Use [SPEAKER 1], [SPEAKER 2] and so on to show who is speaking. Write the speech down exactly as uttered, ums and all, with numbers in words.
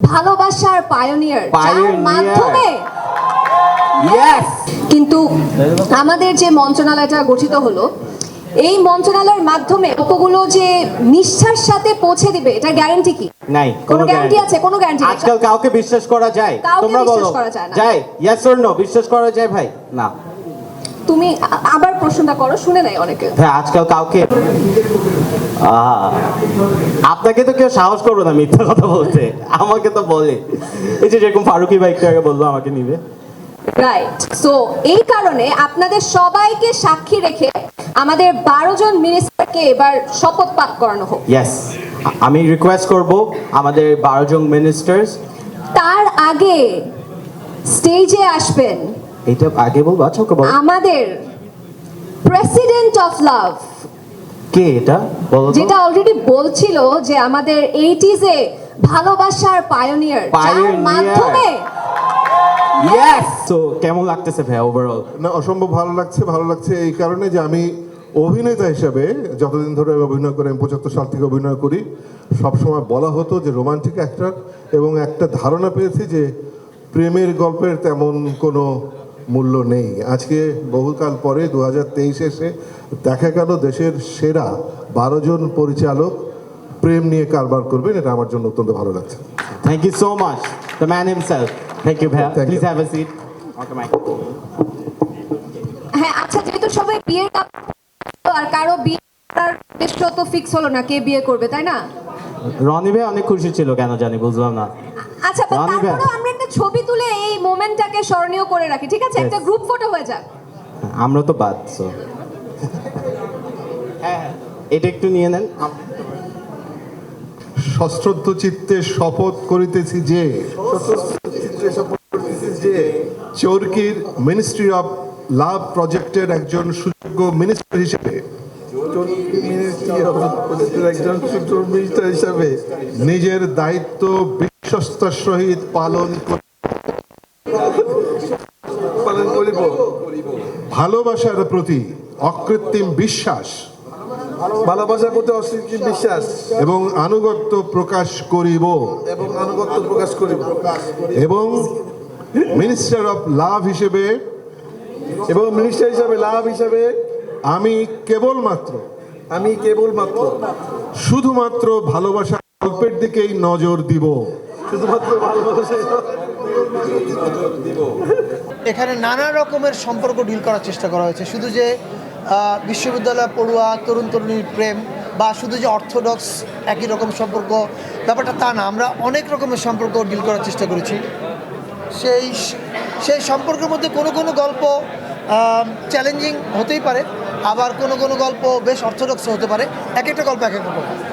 [SPEAKER 1] ভালোবাসার পায়োনিয়ার, যার মাধ্যমে কিন্তু আমাদের যে মন্ত্রণালয়টা গঠিত হলো, এই মন্ত্রণালয়ের মাধ্যমে গল্পগুলো যে নিষ্ঠার সাথে পৌঁছে দিবে, এটা গ্যারান্টি কি?
[SPEAKER 2] নাই,
[SPEAKER 1] কোনো গ্যারান্টি আছে? কোনো গ্যারান্টি নেই।
[SPEAKER 2] আজকাল কাউকে বিশ্বাস করা যায়? তোমরা বলো, যায়? ইয়েস অর নো, বিশ্বাস করা যায় ভাই? না।
[SPEAKER 1] তুমি আবার প্রশ্নটা করো, শুনে নাই অনেকে।
[SPEAKER 2] হ্যাঁ, আজকাল কাউকে, আপনাকে তো কেউ সাহস করবো না মিথ্যা কথা বলতে, আমাকে তো বলে। এই যে যেরকম ফারুকি ভাই একটু আগে বলবো আমাকে নিবে,
[SPEAKER 1] রাইট। সো এই কারণে আপনাদের সবাইকে সাক্ষী রেখে আমাদের বারো জন মিনিস্টারকে এবার শপথ পাঠ করানো হোক।
[SPEAKER 2] ইয়েস, আমি রিকোয়েস্ট করব আমাদের বারো জন মিনিস্টার্স
[SPEAKER 1] তার আগে স্টেজে আসবেন,
[SPEAKER 2] এটা আগে বলবো। আচ্ছা ওকে বলো,
[SPEAKER 1] আমাদের প্রেসিডেন্ট অফ লাভ।
[SPEAKER 2] কে এটা বলো তো?
[SPEAKER 1] যেটা অলরেডি বলছিল যে আমাদের এইটিজে ভালোবাসার পায়োনিয়ার, যার মাধ্যমে
[SPEAKER 2] ইয়েস। তো কেমন লাগতেছে ভাই ওভারঅল?
[SPEAKER 3] না, অসম্ভব ভালো লাগছে। ভালো লাগছে এই কারণে যে আমি অভিনেতা হিসেবে যতদিন ধরে আমি অভিনয় করি, আমি পঁচাত্তর সাল থেকে অভিনয় করি, সবসময় বলা হতো যে রোমান্টিক অ্যাক্টর, এবং একটা ধারণা পেয়েছি যে প্রেমের গল্পের তেমন কোনো মূল্য নেই। আজকে বহুকাল পরে দু হাজার তেইশে এসে দেখা গেল দেশের সেরা বারো জন পরিচালক প্রেম নিয়ে কারবার করবেন, এটা আমার জন্য অত্যন্ত ভালো লাগছে।
[SPEAKER 2] Thank you so much, the man himself. Thank you ভাইয়া,
[SPEAKER 3] Thank you.
[SPEAKER 2] Please have a seat. Okay mic.
[SPEAKER 1] হ্যাঁ, আচ্ছা, যেহেতু সবাই বিয়ের কাপ, আর কারো বিয়ে করার বেশ তো ফিক্স হলো না কে বিয়ে করবে, তাই না?
[SPEAKER 2] রনি ভাই অনেক খুশি ছিল, কেন জানি বুঝলাম না।
[SPEAKER 1] আচ্ছা, but
[SPEAKER 2] রনি ভাই,
[SPEAKER 1] তারপরেও আমরা একটা ছবি তুলে এই মোমেন্টটাকে স্মরণীয় করে রাখি, ঠিক আছে? একটা
[SPEAKER 2] Yes.
[SPEAKER 1] গ্রুপ ফটো হয়ে যাক।
[SPEAKER 2] আমরা তো বাদ, সো হ্যাঁ, এটা একটু নিয়ে নেন।
[SPEAKER 3] সশ্রদ্ধ চিত্তে শপথ করিতেছি যে চরকির মিনিস্ট্রি অফ লাভ প্রজেক্টের একজন সুযোগ্য মিনিস্টার হিসেবে একজন সুযোগ্য মিনিস্টার হিসেবে নিজের দায়িত্ব বিশ্বস্তার সহিত পালন পালন করিব। ভালোবাসার প্রতি অকৃত্রিম বিশ্বাস
[SPEAKER 4] ভালোবাসার প্রতি অস্বীকৃতি বিশ্বাস
[SPEAKER 3] এবং আনুগত্য প্রকাশ করিব
[SPEAKER 4] এবং আনুগত্য প্রকাশ করিব
[SPEAKER 3] এবং মিনিস্টার অফ লাভ হিসেবে
[SPEAKER 4] এবং মিনিস্টার হিসাবে লাভ হিসাবে
[SPEAKER 3] আমি কেবলমাত্র
[SPEAKER 4] আমি কেবলমাত্র
[SPEAKER 3] শুধুমাত্র ভালোবাসার গল্পের দিকেই নজর দিব।
[SPEAKER 4] শুধুমাত্র ভালোবাসা
[SPEAKER 5] এখানে নানা রকমের সম্পর্ক ডিল করার চেষ্টা করা হয়েছে। শুধু যে আহ, বিশ্ববিদ্যালয় পড়ুয়া তরুণ তরুণীর প্রেম বা শুধু যে অর্থোডক্স একই রকম সম্পর্ক, ব্যাপারটা তা না। আমরা অনেক রকমের সম্পর্ক ডিল করার চেষ্টা করেছি। সেই সেই সম্পর্কের মধ্যে কোনো কোনো গল্প চ্যালেঞ্জিং হতেই পারে, আবার কোনো কোনো গল্প বেশ অর্থোডক্স হতে পারে। এক একটা গল্প এক এক রকম।